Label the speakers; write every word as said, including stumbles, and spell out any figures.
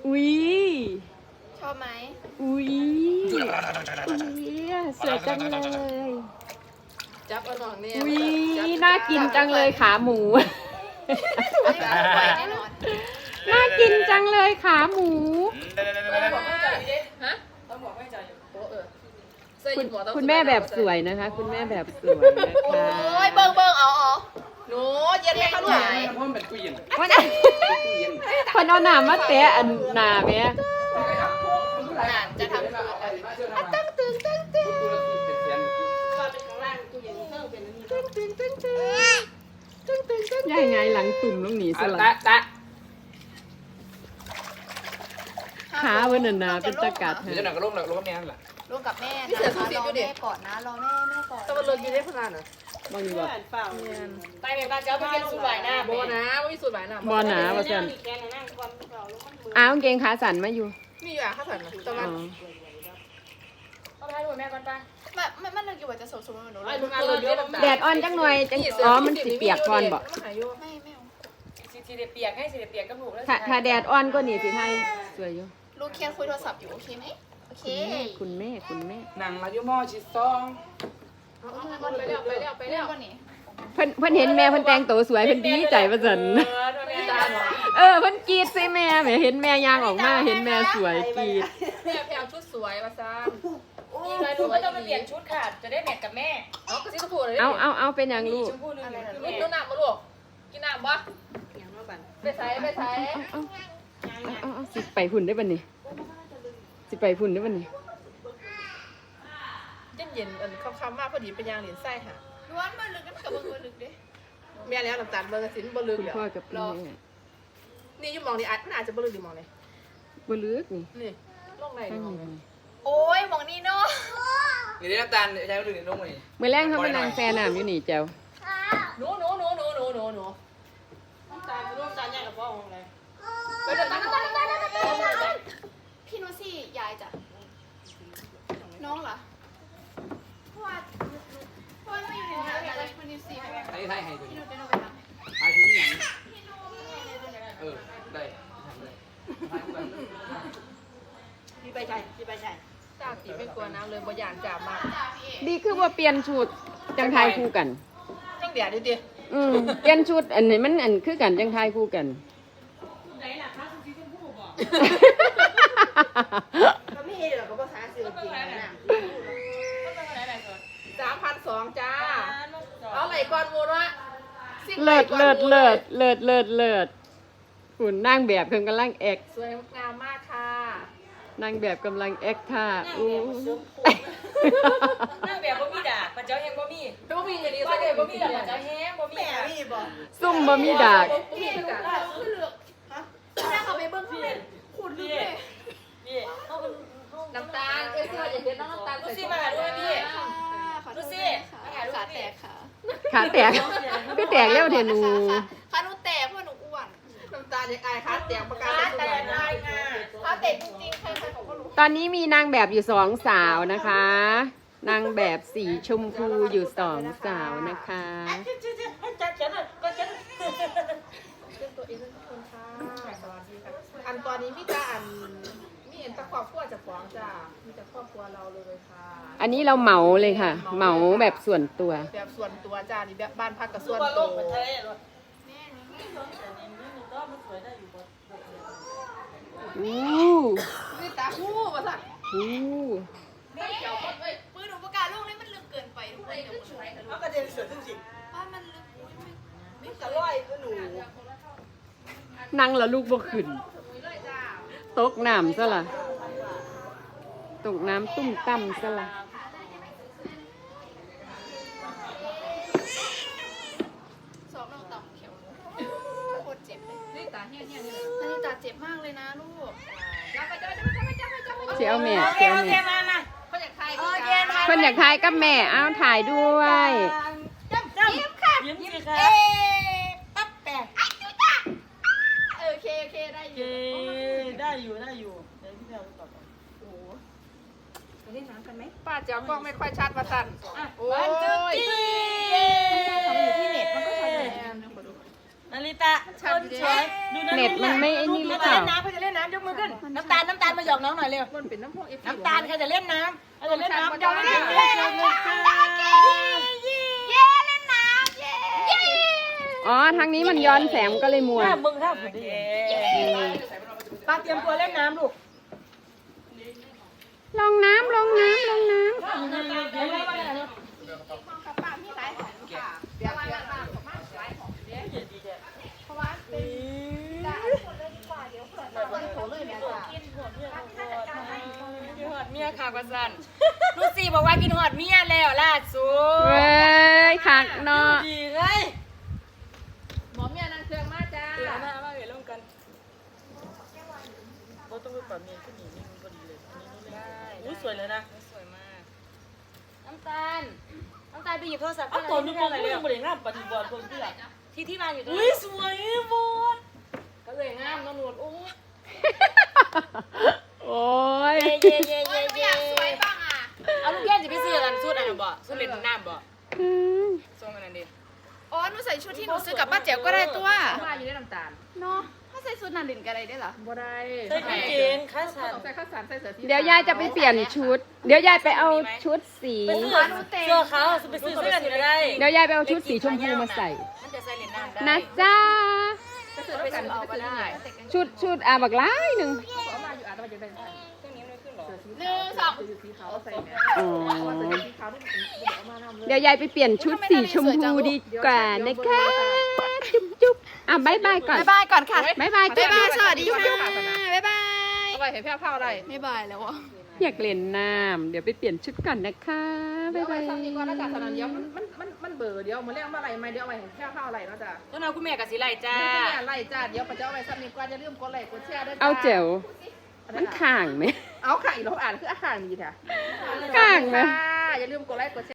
Speaker 1: อุ้ย
Speaker 2: ชอบไหม
Speaker 1: อุ้ยอุ้ยสวยจังเลย
Speaker 3: จับเอาหน่องเนี่ย
Speaker 1: อุ้ยน่ากินจังเลยขาหมู
Speaker 2: ไม่ไหวแน่นอน
Speaker 1: น่ากินจังเลยขาหมู
Speaker 3: บอกไม่จ่ายดิฮะต้องบอกไม่จ่ายโอ้เออ
Speaker 1: คุณคุณแม่แบบสวยนะคะ คุณแม่แบบสวยนะคะ
Speaker 2: โอ้ยเบิ่งเบิ่งเอาเอาหนูเย็นไหมคะลูก
Speaker 4: เพราะมันเป็นตู้เย็น
Speaker 1: วันนั้นคนเอาหนามาเตะอันหนาแม่
Speaker 2: อ่านจะทำตั้งตึงตั้งตึง
Speaker 1: ย่ายไงหลังตุ่มลงหนีสลั
Speaker 4: ตะ
Speaker 1: ด
Speaker 4: ตะ
Speaker 1: ขาเวันนาเป็นตะกัด
Speaker 4: เดี๋ยวจะหนักกระโลกหนักกระโลกแม่นั่นแหละ
Speaker 2: ลูกกับแม่นะคะรอแม่ก่อนนะรอแม่แม่ก่อน
Speaker 3: ตะวันเลิกอยู่ได้พลานอ่ะ
Speaker 1: บอลบอก
Speaker 3: ไปแม่บ้านเจ้าไปกินสูตรใบหน้าโบนะไม่มีสูตรใบหน้า
Speaker 1: บอลหนาว่าสันอ้าวกางเกงขาสั่นมาอยู่
Speaker 3: มีอยู่อ่ะข้าวผัดตะ
Speaker 1: อ๋
Speaker 3: วัน
Speaker 1: อ
Speaker 3: เอาไปให้ดูแม่ก่อนไป
Speaker 2: มันมันมันเลยกี่วันจะสมสมหนู
Speaker 3: ไอ้ลุงงานเลิกเยอะ
Speaker 1: แดดอ่อนจังหน่อยจังอ๋อมันสิเปียกก่อนบอก
Speaker 2: ไม่ไม่เอา
Speaker 3: สีเปียกให้สีเปียกกับหนูแล้ว
Speaker 1: ถ้าถ้าแดดอ่อนก็หนีสิไทยสวยอยู่
Speaker 2: ลูกเคียนคุยโทรศัพท์อยู่โอเคไหมโอเค
Speaker 1: คุณแม่คุณแม่
Speaker 4: หนังมายุมอชิซอง
Speaker 3: ไปเร็วไปเร็วไปเร็ว
Speaker 2: ก่อนนี่
Speaker 1: เพิ่นเพิ่นเห็นแม่เพิ่นแต่งตัวสวยเพิ่นดีใจว่าสัน
Speaker 3: แม่ตาหน่อย
Speaker 1: เออเพิ่นกรีดใส่แม่แหมเห็นแม่ยางออกมาเห็นแม่สวยกรีด
Speaker 3: แม่แพลชุดสวยมาซ้ำอีกหน่อยห
Speaker 5: หนู
Speaker 3: นู
Speaker 5: ก็
Speaker 3: ก็
Speaker 5: ต้
Speaker 3: ต้
Speaker 5: อ
Speaker 3: อง ง
Speaker 5: ไป
Speaker 3: ไป
Speaker 5: เป
Speaker 3: เป
Speaker 5: ลี่
Speaker 3: ลี่
Speaker 5: ย
Speaker 3: ย
Speaker 5: น
Speaker 3: น
Speaker 5: ชุ
Speaker 3: ชุ
Speaker 5: ด
Speaker 3: ด
Speaker 5: ค่ะ จะได้แมทกับแม่
Speaker 3: เอากระซิบกระพูดเลย
Speaker 1: เอาเอาเอาเป็นหยังลูก
Speaker 5: ชมพูหนึ่ง
Speaker 3: รุ่นต้นน้ำมาลูกกินน้ำปะไปใส่ไปใส่
Speaker 1: เอาเอาเอาเอาสิไปพุ่นได้บัดนี้สิไปพุ่นได้บัดนี้
Speaker 3: เย็นเย็นอันคำๆมากพอดีเป็นยางเหรียญไส้ค่ะ
Speaker 2: ล้วนมาลึกกันกับเบิ่งลึกดิ
Speaker 3: แม่แล้วน้ำตาลเบอร์กระสินบอลลึก
Speaker 1: คุณ
Speaker 3: เดี๋ยว
Speaker 1: พ่อกับแม่
Speaker 3: นี่ยุ่มองนี่อาจอาจจะบอลลึกดีมองเลย
Speaker 1: บ่เลือกนี่
Speaker 3: นี่ลงไหน
Speaker 1: ข้าง
Speaker 3: มอง
Speaker 1: นี้
Speaker 3: เลย
Speaker 2: โอ้ยมองนี่เนาะ
Speaker 4: นี่ได้น้ำตาลใช้ไม่ถึงลงเลย
Speaker 1: มื้อแรงเขาไปนั่งแฟน้ำอยู่นี่แจ้ว
Speaker 3: หนูหนูหนูหนูหนูหนูหนู
Speaker 5: ตาลูกตาใหญ่กับพ่อของอะไร
Speaker 3: ไปเดินตั้งตั้งตั้งตั้งตั้ง
Speaker 2: พี่นุซี่ยายจ้ะน้องเหรอเพราะว่าเพราะว่าไม่อยู่ในนั้นอะไรพี่นุซี่
Speaker 4: ไทยไทยให้ตัว
Speaker 2: พี่
Speaker 4: นี้
Speaker 2: นุเป็นอะไร
Speaker 4: ไทยที่ยังเออได้
Speaker 5: พี่ไปใช่พี่ไปใช่
Speaker 3: จ้าตีไม่กลัวน้ำเลยบ่ยานจับมาก
Speaker 1: ดีคือว่าเปลี่ยนชุดจังทายคู่กัน
Speaker 3: จังเดี๋ยวดิดิ
Speaker 1: อืมเปลี่ยนชุดอันนี้มันอันคือกันจังทายคู่กัน
Speaker 5: ไหนล่ะคะคุณซีชมพูบอกก็ไม่เห็นหรอกก็ภาษาสื่อจริงนะ
Speaker 3: สามพันสองจ้าเอาไหลก่อนมูระ
Speaker 1: เลิศเลิศเลิศเลิศเลิศเลิศหุ่นนางแบบเพิ่นกำลังแอค
Speaker 3: สวยงามมากค่ะ
Speaker 1: นางแบบกำลังแอคท่าอู้
Speaker 5: นั่งแบบบ่มีด่าปัจเจ้าแห้งบ่มี
Speaker 3: ดูมีอย่างนี้
Speaker 5: ว่า
Speaker 3: ใส่
Speaker 5: เด็
Speaker 3: เด็
Speaker 5: ก
Speaker 3: ก
Speaker 5: บ่
Speaker 3: บ่
Speaker 5: มี
Speaker 3: มี
Speaker 5: ด่า
Speaker 3: เดี๋ยว
Speaker 5: ปัจเจ้าแห้งบ่มีค่ะมีบ่
Speaker 1: ซุ่มบ่มีดาก
Speaker 3: บ่มีคือกัน
Speaker 2: คือเลือกฮะถ้าเขาไปเบิ้งเขาเป็นขุดลึกเลย
Speaker 5: พี่เขาเป็น
Speaker 3: น้ำตาลเอ้ยเสื้ออย่าเห็นน้องน้ำตาล
Speaker 5: ลูซี่มาหาด้วยพี่
Speaker 2: ขอโท
Speaker 5: ดู
Speaker 2: ษ
Speaker 5: สิ
Speaker 2: ค่ะขาแตกค่ะ
Speaker 1: ขาแตกคือแตกแล้วเทนู
Speaker 2: ขาหนูแตกเพราะหนูอ้วน
Speaker 3: น้ำตาลยังอายคัดเตียงประกาศ
Speaker 5: แต่
Speaker 3: แต่
Speaker 5: ได้งา
Speaker 2: ขาแตกจริงๆใครๆเขาก็รู้
Speaker 1: ตอนนี้มีนางแบบอยู่สองสาวนะคะ นางแบบสีชมพูอยู่สองสาวนะคะ
Speaker 5: ให้จัดฉันอ่ะก็ฉัน
Speaker 3: เป็นตัวเองทุกคนค่ะสวัสดีค่ะอันตอนนี้พี่จ้าอันมีเอ็นตะครอบครัวจากฟองจ้ามีแต่ครอบครัวเราเลยค่ะ
Speaker 1: อันนี้เราเหมาเลยค่ะ เหมาแบบส่วนตัว
Speaker 3: แบบส่วนตัวจ้านี่แบบบ้านพักกับส่
Speaker 5: ตัว
Speaker 3: วน
Speaker 5: โล
Speaker 3: ตัว
Speaker 5: กมันทะเลรถ
Speaker 1: อู้
Speaker 3: นี่ตาคู่มาสั่ง
Speaker 1: อู้
Speaker 2: มือหนูประกาศลูกนี่มันลึกเกินไปทุกคนเดี๋ยวช่วย
Speaker 5: เอากระเด็นเสือทั้งสิ
Speaker 2: ว่ามันลึกอุ้ยไม่
Speaker 5: ไม่กระร้อยก็หนู
Speaker 1: นั่งแล้วลูกบ่ขึ้น ตกน้ำซะละตกน้ำตุ้มตั้มซะละ
Speaker 2: สอบเราต่ำเขียวโคตรเจ็บเลย
Speaker 3: นี่ตาเฮี้ยเฮี้ยนี่
Speaker 2: อันนี้ตาเจ็บมากเลยนะลูก
Speaker 3: จ้าไปจ้าไปจ้าไปจ้าไปจ้าไปจ้า
Speaker 1: เสียวแม่
Speaker 5: โอเค
Speaker 1: เสียว
Speaker 5: โอเค
Speaker 1: แม่
Speaker 5: มามา
Speaker 3: เขาอยากใคร
Speaker 5: โอเค
Speaker 1: เพิ่นอยากถ่ายกับแม่เอาถ่ายด้วย
Speaker 5: จ้ำจ้ำยิ้มค่ะยิ้มสิค่ะเอ๊ปั๊บแปะ
Speaker 2: โอเคโอเคได้อ
Speaker 5: เอยู่ ได้อยู่ได้อยู่เดี๋ยวพี่เอาต่อไปโอ้ไปเล่นน้ำกันไหม
Speaker 3: ป้าเจ้ากล้องไม่ค่อยชัดมาสั่นโอ้
Speaker 5: วันจุด
Speaker 3: ย
Speaker 5: จี
Speaker 2: เขาอยู่ที่เน็ตมันก็ทำได้
Speaker 5: ไปนาริตะคนสวยดูนะ
Speaker 1: เน็ตมันไม่ไอ้นี่หรือเปล่า
Speaker 5: เล่นน้ำเขาจะเล่นน้ำยกมือขึ้นน้ำตาลน้ำตาลมาหยอกน้องหน่อยเร็ว
Speaker 3: มันเป็นน้ำพวกเอฟ
Speaker 5: น้ำตาลใครจะเล่นน้ำใครจะเล่นน้ำ
Speaker 3: เจ้า
Speaker 5: เล่
Speaker 3: เล่
Speaker 5: น
Speaker 3: น
Speaker 5: น้ำ
Speaker 3: เล่
Speaker 5: เล่
Speaker 3: น
Speaker 5: น
Speaker 3: น้ำ
Speaker 5: น้ำ
Speaker 2: เย้เล่นน้ำเย้เย้
Speaker 1: อ๋อ ทางนี้มันย้อนแสงก็เลยมัว
Speaker 5: ถ้ามึงถ้าผมดีป้าเตรียมตัวเล่นน้ำลูก
Speaker 1: ลงน้ำลงน้ำลงน้
Speaker 2: ป้าพี่ไลฟ์ของค่ะเดี๋ยวมาบ้านของมาไลฟ์ของเด้เพราะว่าเป็นจ้าคนเลยดีกว่าเดี๋ยวเผื่อเราโถเลยเนี่ยจ้า
Speaker 5: กินหอดเมียกินหอดเมียค่ะกว่าสันลูกสี่บอกว่ากินหอดเมียแล้วล่าสุ
Speaker 1: ำ
Speaker 5: ด
Speaker 1: เว้ยคักเนาะ
Speaker 5: ดีเลย
Speaker 3: หมอเมียนางเครื่องมาจ้า
Speaker 5: เดี๋ยวมามาเดี๋ยวลงกันเราต้องไปปรับเมียขึ้นอีกนี่มันพอดีเลยได้อุ้ยสวยเลยนะสวยมากน้ำตาลน้ำตาลไปหยิบโทรศัพท์
Speaker 6: เอาตัวนึงบอกเรื่องบริงามปฏิบัติคนที่ละ
Speaker 5: ที่ที่มาอยู่ตรง
Speaker 6: อุ้ย
Speaker 5: นั้น
Speaker 6: สวยหมด
Speaker 5: ก็เลยงามนนวดโอ้
Speaker 1: โอ้ย
Speaker 5: เย่เย่เย่
Speaker 2: ไม่
Speaker 5: เย่
Speaker 2: อยากสวยบ้างอ่ะ
Speaker 5: เอาลูกแก้วจะไปซื้อกันสูตรอันนั้นบ่สูตรเล่นน้ำบ่
Speaker 1: อืม
Speaker 5: ส่งกันนั่นดิ
Speaker 2: อ๋อหนูใส่ชุดที่หนูซื้อกับป้าแจ๋วก็ได้ตัว
Speaker 3: มาอยู่ในน้ำตาล
Speaker 2: เนาะถ้าใส่ชุดนันดินก็ได้ได้เหรอ
Speaker 3: บ่ได้
Speaker 6: ใส่กางเกงขาสั้น
Speaker 3: ต้องใส่ข้าวสารใส่เสื้อสี
Speaker 1: เดี๋ยวยายจะไปเปลี่ยนชุด เดี๋ยวยายไปเอาชุดสี
Speaker 6: ไปซื้อเสื้อขาวไปซื้อเสื้อกันได้
Speaker 1: เดี๋ยวยายไปเอาชุดสีชมพูมาใส่
Speaker 5: มันจะใส่เล่นน้ำได้
Speaker 1: นะจ้า
Speaker 3: ก็ซื้อด้วยกันเอาก็ได้
Speaker 1: ชุดชุดอ่ะบักร้ายหนึ่ง
Speaker 3: เอามาอยู่อาจจะมาจะได้
Speaker 5: เครื่องนี้ไม่ขึ้นหรอ
Speaker 2: หนึ่งสอง
Speaker 3: ซื้อสีขาวใส่เนี่ย
Speaker 1: อ๋อ
Speaker 3: เสื้อสีขาวนี่มันเอามานำเลย
Speaker 1: เดี๋ยวยายไปเปลี่ยนชุดสีชมพูดีกว่านะคะ จุ๊บจุ๊บอ่ะบายบายก่อน
Speaker 2: บ๊ายบายก่อนค่ะ
Speaker 1: บายบาย
Speaker 2: บ๊ายบายสวัสดีค่ะบ๊ายบาย
Speaker 3: เอาไว้เห็นแพ้ผ้าอะไร
Speaker 2: บ๊ายบายแล้วอ่ะ
Speaker 1: อยากเล่นน้ำเดี๋ยวไปเปลี่ยนชุดก่อนนะคะ
Speaker 3: เดี๋
Speaker 1: บาย
Speaker 3: ยวไว้
Speaker 1: บาย
Speaker 3: ซ้ำนี้ก่อนนะจ๊ะสนานเดียวมันมันมันมันเบื่อเดี๋ยวมาเรียกมาอะไรมาเดี๋ยวเอาไว้เห็นแพ้ผ้าอะไรนะจ๊ะ
Speaker 5: ต้นเอาคุณแม่กับสีไหลจ้า
Speaker 3: เนี่ยไล่จ้าเดี๋ยวปัจจัยไว้ซ้ำนี้ก่อนจะลืมกดไลค์กดแชร์ด้วย
Speaker 1: เอาเจ๋วมันข่างไหม
Speaker 3: เอาค่ะอีกเราอ่านคืออาคารมีค่ะ
Speaker 1: ข้างไหม
Speaker 3: อย่าลืมกดไลค์กดแชร์